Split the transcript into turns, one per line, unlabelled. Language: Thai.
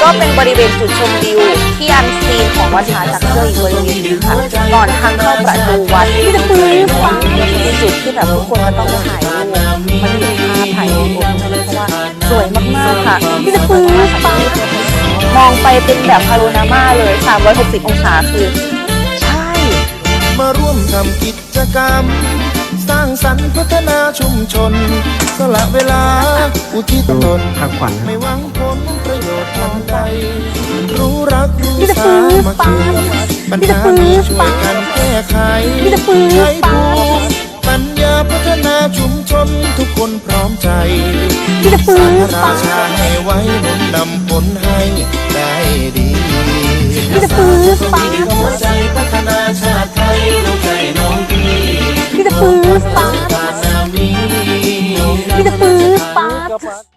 ก็เป็นบริเวณจุดชมวิวที่อันซีนของวัดผาจากเกยอีกบริเวณนึงค่ะก่อนทางเข้าประตูวัดที่จะปื้มฟังเป็นจุดที่แบบทุกคนก็ต้องถ่ายรูปมันเป็นภาพถ่ายรูปเพราะว่าสวยมากๆค่ะที่จะปื้มฟังมองไปเป็นแบบพาโนรามาเลย360องศาคือใช่
มาร่วมทำกิจกรรมสร้างสรรค์พัฒนาชุมชนสละเวลาอุทิศตนไม่หวังผลประโยชน์ทันใดรู้รักรู้สามัคคีปัญหามีช่วยกันแก้ไขใช้ภูมิปัญญาพัฒนาชุมชนทุกคนพร้อมใจสร้างราชาให้ไว้หนุนนำผลให้ได้ดีหัวใจพัฒนาชาติไทยน้องใจน้องพี่
ที่จะปื้มฟ้า